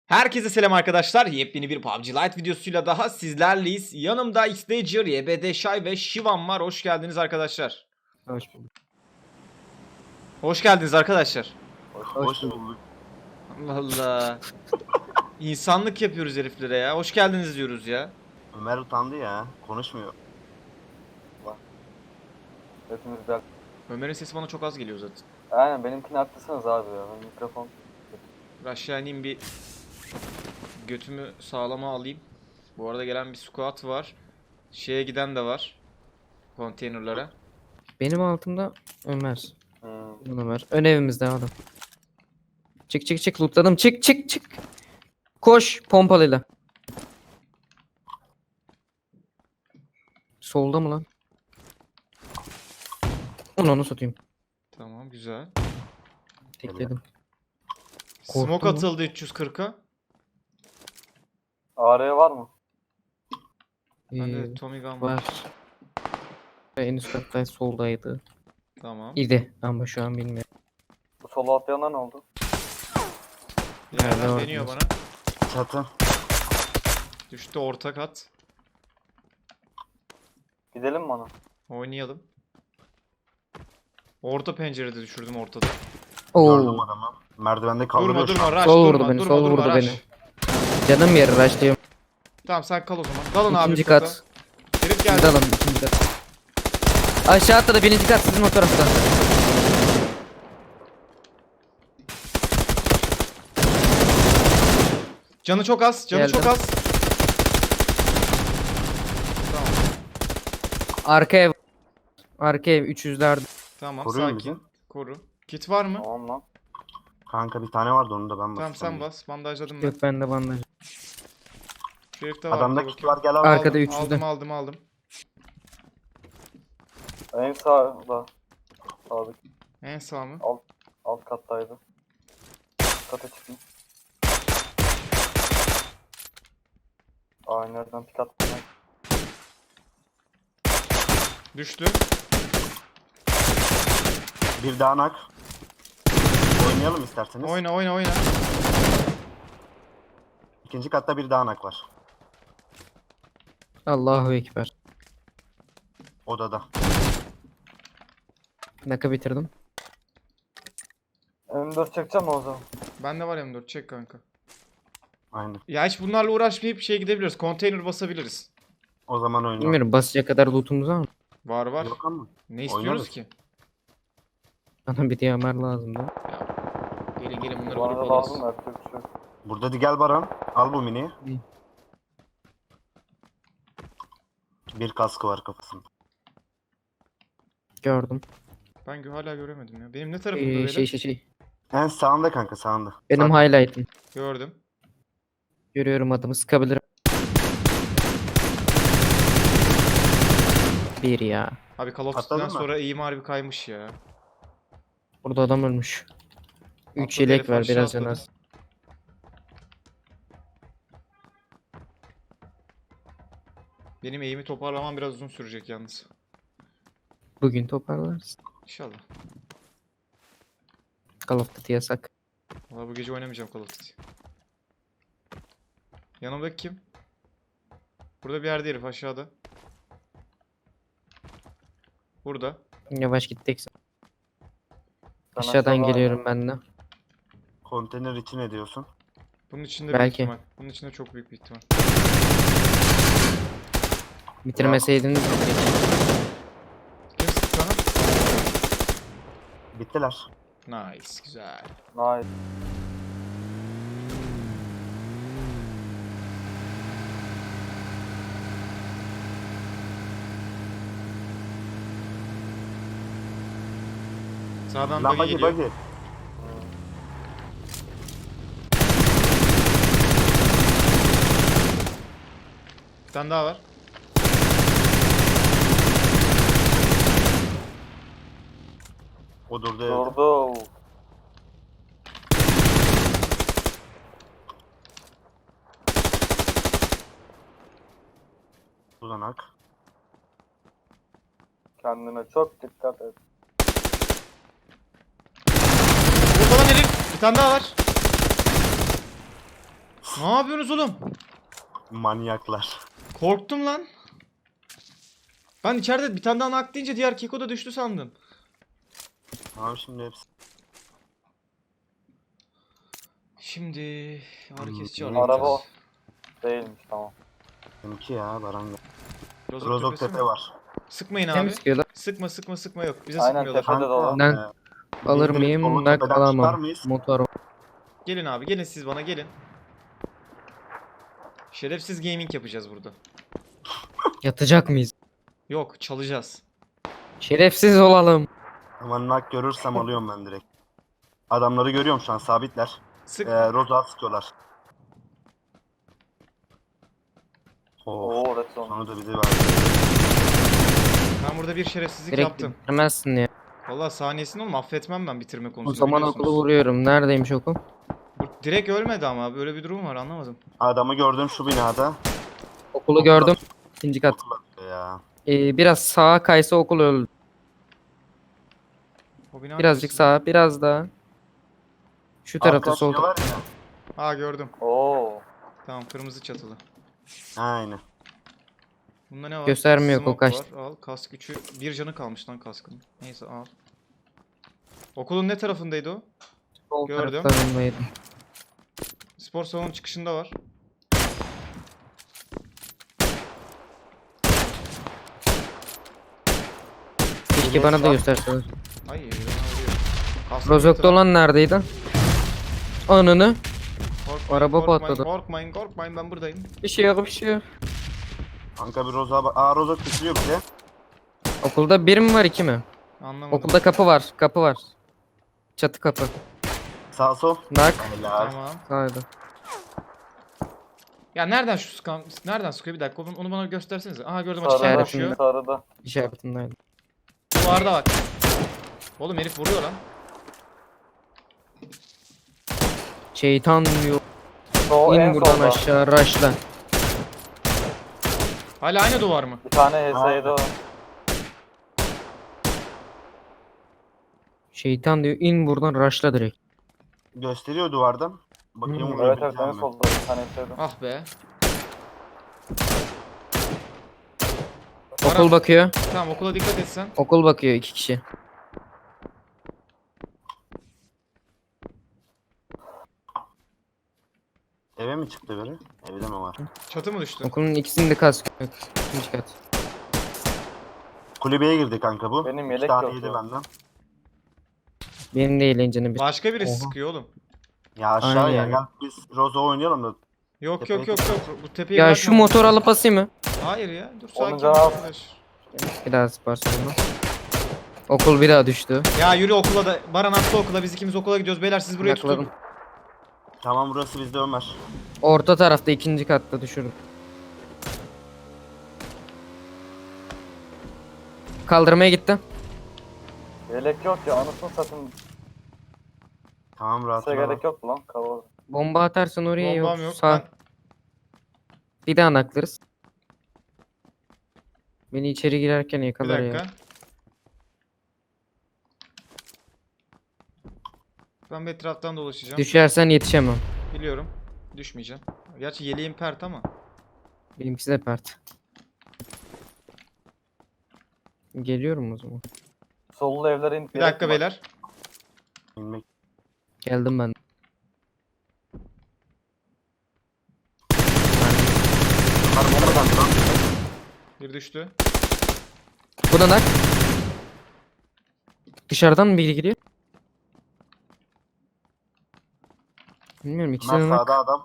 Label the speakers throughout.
Speaker 1: Herkese selam arkadaşlar. Yepyeni bir PUBG Lite videosuyla daha sizlerleyiz. Yanımda Xdager, YBD Şay ve Şivan var. Hoş geldiniz arkadaşlar.
Speaker 2: Hoş bulduk.
Speaker 1: Hoş geldiniz arkadaşlar.
Speaker 2: Hoş bulduk.
Speaker 1: Allah Allah. İnsanlık yapıyoruz heriflere ya. Hoş geldiniz diyoruz ya.
Speaker 3: Ömer utandı ya. Konuşmuyor.
Speaker 4: Hepimizden.
Speaker 1: Ömer'in sesi bana çok az geliyor zaten.
Speaker 4: Aynen benimkini haklısınız abi ya. Benim mikrofon.
Speaker 1: Aşağı ineyim bir götümü sağlama alayım. Bu arada gelen bir squad var. Şeye giden de var. Konteynerlara.
Speaker 2: Benim altımda Ömer.
Speaker 4: Hmm.
Speaker 2: Ömer. Ön evimizde adam. Çık çık çık lootladım. Çık çık çık. Koş pompalıyla. Solda mı lan? Onu satayım.
Speaker 1: Tamam, güzel.
Speaker 2: Tekledim.
Speaker 1: Smoke
Speaker 2: Korktun mu?
Speaker 1: atıldı 340'a.
Speaker 4: AR var mı?
Speaker 1: Bende Tommy Gun var.
Speaker 2: Var. En üst katta soldaydı.
Speaker 1: Tamam.
Speaker 2: İdi ama şu an bilmiyorum.
Speaker 4: Bu solo atlayanlar ne oldu?
Speaker 1: Yerden
Speaker 2: Nerede
Speaker 1: deniyor
Speaker 2: var?
Speaker 1: bana.
Speaker 3: Çatı.
Speaker 1: Düştü orta kat.
Speaker 4: Gidelim mi ona?
Speaker 1: Oynayalım. Orta pencerede düşürdüm ortada.
Speaker 3: Gördüm
Speaker 2: Oo.
Speaker 3: adamı. Merdivende kaldırıyor
Speaker 1: Durma
Speaker 3: şu an.
Speaker 1: durma rush
Speaker 2: Sol vurdu
Speaker 1: durma
Speaker 2: beni,
Speaker 1: durma
Speaker 2: sol
Speaker 1: durma
Speaker 2: vurdu
Speaker 1: rush.
Speaker 2: beni. Canım yeri rushlıyorum.
Speaker 1: Tamam sen kal o zaman. Dalın abi.
Speaker 2: İkinci
Speaker 1: üst kata.
Speaker 2: kat.
Speaker 1: Herif
Speaker 2: Biz
Speaker 1: geldi.
Speaker 2: de alalım ikinci kat. Aşağı atladı birinci kat sizin o tarafta.
Speaker 1: Canı çok az. Canı
Speaker 2: Geldim.
Speaker 1: çok az. Tamam.
Speaker 2: Arka ev. Arka ev 300'lerde.
Speaker 1: Tamam
Speaker 3: Koruyor
Speaker 1: sakin.
Speaker 3: musun?
Speaker 1: Koru. Kit var mı?
Speaker 4: Tamam lan.
Speaker 3: Kanka bir tane vardı onu da ben
Speaker 1: Tamam
Speaker 3: bastım.
Speaker 1: sen bas. Bandajladım ben.
Speaker 2: Yok bende bandaj.
Speaker 1: Şu herifte var.
Speaker 3: Adamda
Speaker 1: dur
Speaker 3: kit
Speaker 1: bakayım.
Speaker 3: var gel al.
Speaker 2: Arkada
Speaker 1: Aldım,
Speaker 2: 300'de.
Speaker 1: aldım.
Speaker 4: En sağda. Sağdaki
Speaker 1: En sağ mı?
Speaker 4: alt kattaydı. Kata çıkın. Aa nereden pik attım ben?
Speaker 1: Düştü.
Speaker 3: Bir daha nak. Oynayalım isterseniz.
Speaker 1: Oyna.
Speaker 3: İkinci katta bir daha nak var.
Speaker 2: Allahu Ekber.
Speaker 3: Odada.
Speaker 2: Naka bitirdim.
Speaker 4: M4 çekeceğim mi o zaman?
Speaker 1: Bende var M4 çek kanka.
Speaker 3: Aynen.
Speaker 1: Ya hiç bunlarla uğraşmayıp şeye gidebiliriz. Konteyner basabiliriz.
Speaker 3: O zaman oynayalım.
Speaker 2: Bilmiyorum basacak kadar lootumuz var mı?
Speaker 1: Var.
Speaker 3: Yok ama.
Speaker 1: Ne istiyoruz
Speaker 3: Oynarız.
Speaker 1: ki?
Speaker 2: Bana bir diyamer lazım da.
Speaker 1: Gelin bunları
Speaker 4: Bana
Speaker 1: vurup
Speaker 4: da
Speaker 1: alırız.
Speaker 4: lazım yapacak bir şey yok.
Speaker 3: Burada gel Baran. Al bu miniyi.
Speaker 2: İyi.
Speaker 3: Bir kaskı var kafasında.
Speaker 2: Gördüm.
Speaker 1: Ben hala göremedim ya. Benim ne tarafımda böyle?
Speaker 2: Şey.
Speaker 3: En sağında kanka sağında.
Speaker 2: Benim
Speaker 3: Sağ-
Speaker 2: highlight'ım.
Speaker 1: Gördüm.
Speaker 2: Görüyorum adamı sıkabilirim. Bir ya.
Speaker 1: Abi Call of
Speaker 3: Atladın
Speaker 1: Duty'den
Speaker 3: mı?
Speaker 1: sonra eğim harbi kaymış ya.
Speaker 2: Burada adam ölmüş. 3
Speaker 1: Atladı
Speaker 2: yelek
Speaker 1: herif,
Speaker 2: var
Speaker 1: aşağı
Speaker 2: biraz can
Speaker 1: atladı.
Speaker 2: az.
Speaker 1: Benim eğimi toparlamam biraz uzun sürecek yalnız.
Speaker 2: Bugün toparlarız.
Speaker 1: İnşallah.
Speaker 2: Call of Duty yasak.
Speaker 1: Valla bu gece oynamayacağım Call of Duty. Yanımdaki kim? Burada bir yerde herif aşağıda. Burada.
Speaker 2: Yavaş gittik.
Speaker 4: Ben
Speaker 2: Aşağıdan
Speaker 4: aşağıda
Speaker 2: geliyorum ben de.
Speaker 3: Konteyner için ne diyorsun?
Speaker 1: Bunun içinde büyük
Speaker 2: Belki.
Speaker 1: ihtimal. Bunun içinde çok büyük bir ihtimal.
Speaker 2: Bitirmeseydiniz.
Speaker 1: Kim sıktı sana?
Speaker 3: Bittiler.
Speaker 1: Nice. Güzel.
Speaker 4: Nice.
Speaker 1: Sağdan
Speaker 3: Lan
Speaker 1: buggy
Speaker 3: bagi
Speaker 1: geliyor.
Speaker 3: bagi.
Speaker 1: Bir tane daha var.
Speaker 3: O durdu evde.
Speaker 4: Durdu.
Speaker 3: Uzanak.
Speaker 4: Kendine çok dikkat et.
Speaker 1: Burada lan herif. Bir tane daha var. Ne yapıyorsunuz oğlum?
Speaker 3: Manyaklar.
Speaker 1: Korktum lan. Ben içeride bir tane daha nak deyince diğer keko da düştü sandım.
Speaker 3: Tamam şimdi hepsi.
Speaker 1: Şimdi ağrı kesici
Speaker 3: Hmm.
Speaker 1: arayacağız.
Speaker 4: Araba o. Değilmiş tamam.
Speaker 3: Benimki ya Baran.
Speaker 1: Rozok
Speaker 3: Rozok
Speaker 1: tepesi
Speaker 3: tepe
Speaker 1: mi?
Speaker 3: var.
Speaker 1: Sıkmayın
Speaker 2: Kim
Speaker 1: abi.
Speaker 2: sıkıyorlar?
Speaker 1: Sıkma yok. Bize
Speaker 4: Aynen,
Speaker 1: sıkmıyorlar.
Speaker 4: tepe- Hadi dolu.
Speaker 2: Ben alır
Speaker 3: biz direkt
Speaker 2: mıyım?
Speaker 3: Bolu
Speaker 2: Nak
Speaker 3: tepeden çıkar
Speaker 2: alamam.
Speaker 3: mıyız?
Speaker 2: Motor.
Speaker 1: Gelin abi gelin siz bana gelin. Şerefsiz gaming yapacağız burada.
Speaker 2: Yatacak mıyız?
Speaker 1: Yok çalacağız.
Speaker 2: Şerefsiz olalım.
Speaker 3: Ama nak görürsem alıyorum ben direkt. Adamları görüyorum şu an sabitler.
Speaker 1: Sık.
Speaker 3: Roza sıkıyorlar. Oo.
Speaker 4: Oo red zone.
Speaker 3: Sonra da bizi verdi.
Speaker 1: Ben burada bir şerefsizlik
Speaker 2: Direkt
Speaker 1: yaptım.
Speaker 2: bitirmezsin ya.
Speaker 1: Vallahi saniyesini oğlum affetmem ben bitirme
Speaker 2: O
Speaker 1: konusunda
Speaker 2: zaman
Speaker 1: biliyorsunuz.
Speaker 2: okulu vuruyorum. Neredeymiş okul?
Speaker 1: Direkt ölmedi ama böyle bir durum var anlamadım.
Speaker 3: Adamı gördüm şu binada.
Speaker 2: Okulu gördüm. İkinci kat.
Speaker 3: Ya.
Speaker 2: Biraz sağa kaysa okul öldü.
Speaker 1: O bina
Speaker 2: Birazcık
Speaker 1: neresi?
Speaker 2: sağa, biraz daha. Şu tarafta
Speaker 3: Arka
Speaker 2: sol
Speaker 3: şey
Speaker 2: tarafta.
Speaker 3: var ya.
Speaker 1: Aa gördüm.
Speaker 4: Oo.
Speaker 1: Tamam kırmızı çatılı.
Speaker 3: Aynen.
Speaker 1: Bunda ne var?
Speaker 2: Göstermiyor,
Speaker 1: Smoke
Speaker 2: o kaçtı.
Speaker 1: var. Al kask 3'ü. Bir canı kalmış lan kaskın. Neyse al. Okulun ne tarafındaydı o?
Speaker 2: Sol
Speaker 1: Gördüm.
Speaker 2: taraflarındaydı.
Speaker 1: Spor salonu çıkışında var.
Speaker 2: Keşke bana da gösterseler.
Speaker 1: Ay bana vuruyor. Kaskın
Speaker 2: Rozok'ta
Speaker 1: bir
Speaker 2: olan neredeydi? Ananı.
Speaker 1: tarafı-
Speaker 2: araba
Speaker 1: korkmayın,
Speaker 2: patladı.
Speaker 1: Korkmayın ben buradayım.
Speaker 2: Bir şey yok, bir şey yok.
Speaker 3: Kanka bir Roza bak. Aa Roza bitiriyor bize.
Speaker 2: Okulda bir mi var, iki mi?
Speaker 1: Anlamadım.
Speaker 2: Okulda kapı var, kapı var. Çatı kapı.
Speaker 3: Sağ sol.
Speaker 2: Nak.
Speaker 3: Helal.
Speaker 1: Tamam.
Speaker 2: Haydi.
Speaker 1: Ya nereden şu sıkan, nereden sıkıyor bir dakika onu bana göstersenize. Aha gördüm
Speaker 4: Sarıda.
Speaker 1: açıktan
Speaker 2: İşaretinde.
Speaker 1: koşuyor.
Speaker 4: Sarıda.
Speaker 2: İşaretindeydi.
Speaker 1: Duvarda bak. Oğlum herif vuruyor lan.
Speaker 2: Şeytan diyor.
Speaker 4: O en
Speaker 2: İn buradan
Speaker 4: solda.
Speaker 2: aşağı, raşla.
Speaker 1: Hala aynı duvar mı?
Speaker 4: Bir tane HS'ydi o.
Speaker 2: Şeytan diyor, in buradan, raşla direkt.
Speaker 3: Gösteriyor duvardan. Bakayım
Speaker 2: Hmm,
Speaker 3: vuruyor
Speaker 4: Evet evet en
Speaker 3: mi?
Speaker 4: solda bir tane HS'ydi.
Speaker 1: Ah be.
Speaker 2: Okul bakıyor.
Speaker 1: Tamam okula dikkat etsen.
Speaker 2: Okul bakıyor, iki kişi.
Speaker 3: Eve mi çıktı biri? Evde mi var?
Speaker 1: Çatı mı düştü?
Speaker 2: Okulun ikisinde kask yok. İkinci kat.
Speaker 3: Kulübeye girdi kanka bu.
Speaker 4: Benim
Speaker 3: İki
Speaker 4: yelek
Speaker 3: tane
Speaker 4: yok
Speaker 3: yedi
Speaker 4: ya.
Speaker 3: benden.
Speaker 2: Benim de eğlencenin bir.
Speaker 1: Başka birisi
Speaker 2: Oha.
Speaker 1: sıkıyor oğlum.
Speaker 3: Ya aşağıya
Speaker 2: Aynen.
Speaker 3: gel biz Roza oynayalım da.
Speaker 1: Yok
Speaker 3: Tepeye
Speaker 1: yok. Bu tepeyi
Speaker 2: Ya
Speaker 1: bırakma.
Speaker 2: şu motor alıp basayım mı?
Speaker 1: Hayır ya. Dur
Speaker 4: Onun
Speaker 1: sakin ol
Speaker 4: canı az.
Speaker 1: arkadaş.
Speaker 2: Bir daha sparsın bunu. Okul bir daha düştü.
Speaker 1: Ya yürü okula da. Baran attı okula. Biz ikimiz okula gidiyoruz. Beyler siz burayı
Speaker 2: Yakaladım.
Speaker 1: tutun.
Speaker 3: Tamam burası bizde Ömer.
Speaker 2: Orta tarafta, ikinci katta düşürdüm. Kaldırmaya gitti.
Speaker 4: Yelek yok ya anasını satayım.
Speaker 3: Tamam rahat
Speaker 4: Size
Speaker 3: ol.
Speaker 4: gerek yok lan kavur.
Speaker 2: Bomba atarsan oraya
Speaker 1: Bombam
Speaker 2: yok.
Speaker 1: yok.
Speaker 2: Sağ. Bir daha naklarız. Beni içeri girerken
Speaker 1: Bir
Speaker 2: yakalar
Speaker 1: dakika.
Speaker 2: ya.
Speaker 1: Ben bir etraftan dolaşacağım.
Speaker 2: Düşersen yetişemem.
Speaker 1: Biliyorum. Düşmeyeceğim. Gerçi yeleğim pert ama.
Speaker 2: Benimkisi de pert. Geliyorum o zaman.
Speaker 4: Sollu evlere in.
Speaker 1: Bir dakika beyler.
Speaker 3: İnmek.
Speaker 2: Geldim ben.
Speaker 3: Ömer bombadan lan.
Speaker 1: Bir düştü.
Speaker 2: Bu da nak. Dışarıdan mı biri giriyor? Bilmiyorum, ikisi
Speaker 3: Ömer
Speaker 2: de nak.
Speaker 3: sağda adam.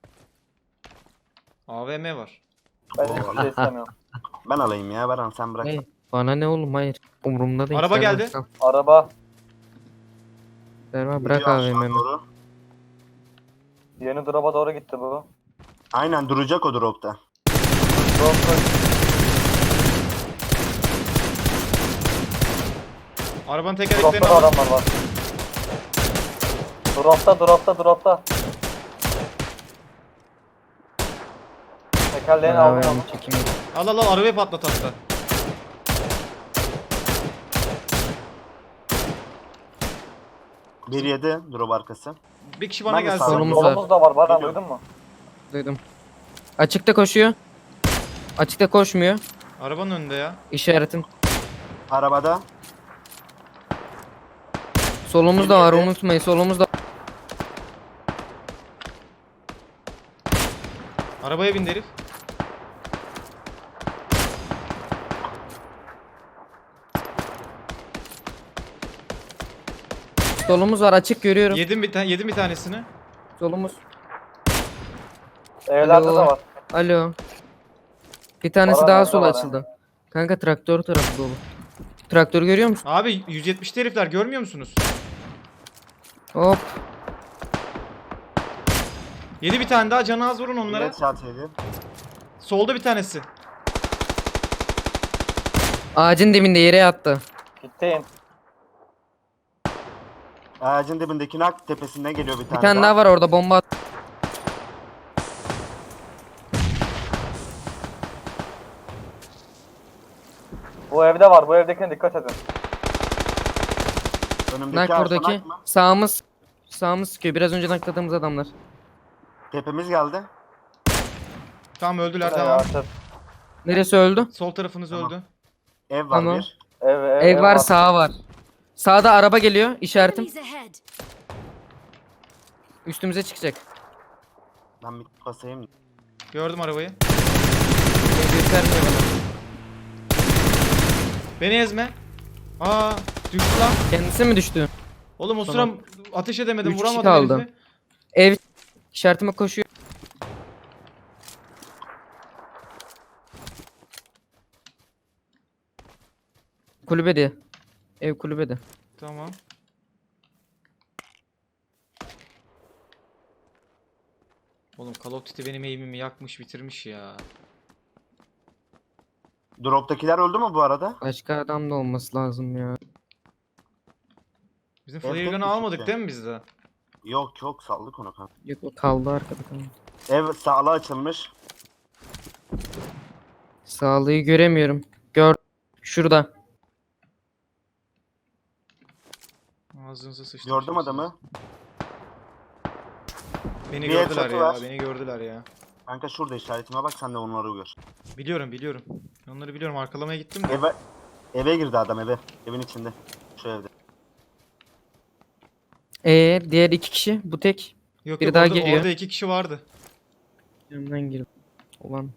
Speaker 1: AVM var.
Speaker 4: Ben hiçbir şey istemiyorum.
Speaker 3: Ben alayım ya Baran sen bırak.
Speaker 2: Hey, bana ne oğlum, hayır. Umurumda değil.
Speaker 1: Araba
Speaker 2: Serva,
Speaker 1: geldi.
Speaker 2: kal.
Speaker 4: Araba.
Speaker 2: Serva, bırak
Speaker 3: Gidiyor aşağı
Speaker 2: AVM'mi.
Speaker 3: doğru.
Speaker 4: Yeni drop'a doğru gitti bu.
Speaker 3: Aynen duracak o dropta.
Speaker 4: Drop
Speaker 1: Arabanın
Speaker 4: Drop'ta
Speaker 1: tekerleklerini
Speaker 4: da
Speaker 1: alın.
Speaker 4: adamlar var. Drop'ta. Tekerleğini aldım onu.
Speaker 2: AVM çekeyim.
Speaker 1: Al arabayı patlat hatta.
Speaker 3: Bir yedi drop arkası.
Speaker 1: Bir kişi bana
Speaker 3: Ben de
Speaker 1: gelsin.
Speaker 3: sağ-
Speaker 2: Solumuz var.
Speaker 4: Solumuz da var Baran
Speaker 3: Geliyorum.
Speaker 4: duydun mu?
Speaker 2: Duydum. Açıkta koşuyor. Açıkta koşmuyor.
Speaker 1: Arabanın önünde ya.
Speaker 2: İşaretim.
Speaker 3: Arabada.
Speaker 2: Solumuzda var,
Speaker 3: Nerede?
Speaker 2: unutmayın. Solumuzda.
Speaker 1: Arabaya bindi herif.
Speaker 2: Solumuz var, açık görüyorum.
Speaker 1: Yedim bir tanesini.
Speaker 2: Solumuz.
Speaker 4: Evlerde
Speaker 2: Alo.
Speaker 4: de var.
Speaker 2: Alo. Bir tanesi
Speaker 4: Var,
Speaker 2: daha
Speaker 4: var,
Speaker 2: sol
Speaker 4: var.
Speaker 2: açıldı. Kanka traktör tarafı dolu. Traktörü görüyor musun?
Speaker 1: Abi 170'li herifler görmüyor musunuz?
Speaker 2: Hop.
Speaker 1: Yedi bir tane daha, canı az vurun onlara.
Speaker 3: Evet çat yedi.
Speaker 1: Solda bir tanesi.
Speaker 2: Ağacın dibinde yere yattı.
Speaker 4: Gittim.
Speaker 3: Ağacın dibindeki nak tepesinden geliyor bir
Speaker 2: Bir
Speaker 3: tane,
Speaker 2: tane daha var orada, bomba at.
Speaker 4: Bu evde var. Bu evdekine dikkat edin.
Speaker 3: Önümdeki
Speaker 2: Nak
Speaker 3: ağaçta
Speaker 2: buradaki.
Speaker 3: nak mı?
Speaker 2: Sağımız sıkıyor. Biraz önce nakladığımız adamlar.
Speaker 3: Tepemiz geldi.
Speaker 1: Tamam öldüler,
Speaker 4: Ne ya,
Speaker 1: tamam.
Speaker 4: çöp.
Speaker 2: Neresi öldü?
Speaker 1: Sol tarafınız
Speaker 3: Tamam.
Speaker 1: öldü.
Speaker 3: Ev var
Speaker 2: Tamam.
Speaker 3: bir.
Speaker 2: Ev var, sağ var. Sağda araba geliyor. İşaretim.
Speaker 5: Enemies ahead.
Speaker 2: Üstümüze çıkacak.
Speaker 3: Ben bir basayım.
Speaker 1: Gördüm arabayı.
Speaker 2: Göstermiyor bana.
Speaker 1: Beni ezme. Aa, düştü lan.
Speaker 2: Kendisi mi düştü?
Speaker 1: Oğlum o sıra
Speaker 2: Tamam.
Speaker 1: ateş edemedim,
Speaker 2: 3 kişi
Speaker 1: vuramadım
Speaker 2: kaldı.
Speaker 1: herifi.
Speaker 2: Ev işaretime koşuyor. Kulübede. Ev kulübede.
Speaker 1: Tamam. Oğlum Call of Duty benim aim'imi yakmış, bitirmiş ya.
Speaker 3: Drop'takiler öldü mü bu arada?
Speaker 2: Başka adam da olması lazım ya.
Speaker 1: Bizim
Speaker 3: Evet,
Speaker 1: flare
Speaker 3: tek
Speaker 1: gun'ı
Speaker 3: düşük
Speaker 1: almadık
Speaker 3: ya.
Speaker 1: değil mi biz de?
Speaker 3: Yok saldık onu kanka.
Speaker 2: Yok, o kaldı arkada kaldı.
Speaker 3: Ev sağla açılmış.
Speaker 2: Sağlığı göremiyorum. Gör. Şurada.
Speaker 1: Ağzınıza sıçtım.
Speaker 3: Gördüm
Speaker 1: şimdi
Speaker 3: adamı.
Speaker 1: siz. Beni
Speaker 3: Bir
Speaker 1: gördüler
Speaker 3: çatı
Speaker 1: ya,
Speaker 3: var.
Speaker 1: beni gördüler ya.
Speaker 3: Kanka şurada işaretime bak, sen de onları gör.
Speaker 1: Biliyorum. Onları biliyorum, arkalamaya gittim de.
Speaker 3: Eve girdi adam eve. Evin içinde. Şu evde.
Speaker 2: Diğer iki kişi. Bu tek.
Speaker 1: Yok
Speaker 2: biri
Speaker 1: yok,
Speaker 2: daha
Speaker 1: orada,
Speaker 2: geliyor.
Speaker 1: orada 2 kişi vardı.
Speaker 2: Yanından girdim. Ulan.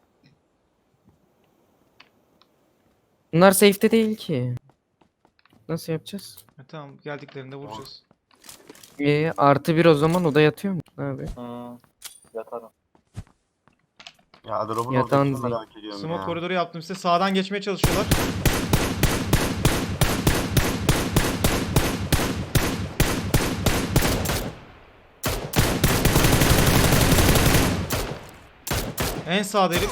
Speaker 2: Bunlar safe'te değil ki. Nasıl yapacağız?
Speaker 1: Tamam, geldiklerinde vuracağız.
Speaker 2: Artı bir o zaman, o da yatıyor mu? Abi.
Speaker 4: Yatarım.
Speaker 3: Ya drop'un
Speaker 2: Yatağın
Speaker 3: oradakini
Speaker 2: zil.
Speaker 3: merak ediyorum
Speaker 1: Smoke
Speaker 3: ya.
Speaker 1: koridoru yaptım size. Sağdan geçmeye çalışıyorlar. En sağda herif.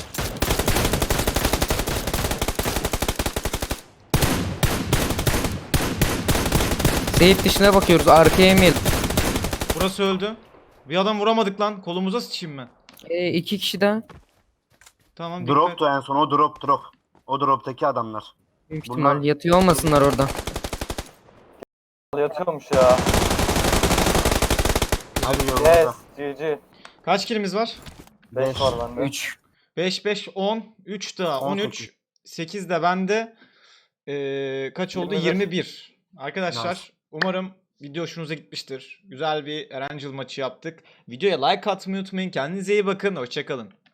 Speaker 2: Safe dışına bakıyoruz. Arkaya yemeyelim.
Speaker 1: Burası öldü. Bir adam vuramadık lan. Kolumuza sıçayım ben.
Speaker 2: İki kişi daha.
Speaker 1: Tamam,
Speaker 3: Drop'tu en son, o drop. O drop'taki adamlar.
Speaker 2: Büyük
Speaker 3: Bunlar-
Speaker 2: ihtimal yatıyor olmasınlar orada.
Speaker 4: Yatıyormuş ya.
Speaker 3: Hadi
Speaker 4: Yes.
Speaker 3: yolumuza.
Speaker 4: GG.
Speaker 1: Kaç kilimiz var?
Speaker 4: 5 var bende.
Speaker 2: 3.
Speaker 1: 5 5 10 3 daha 13 8 de bende. Kaç oldu?
Speaker 4: 21.
Speaker 1: 21. Arkadaşlar
Speaker 3: Nice.
Speaker 1: umarım video hoşunuza gitmiştir. Güzel bir Erangel maçı yaptık. Videoya like atmayı unutmayın. Kendinize iyi bakın. Hoşça kalın.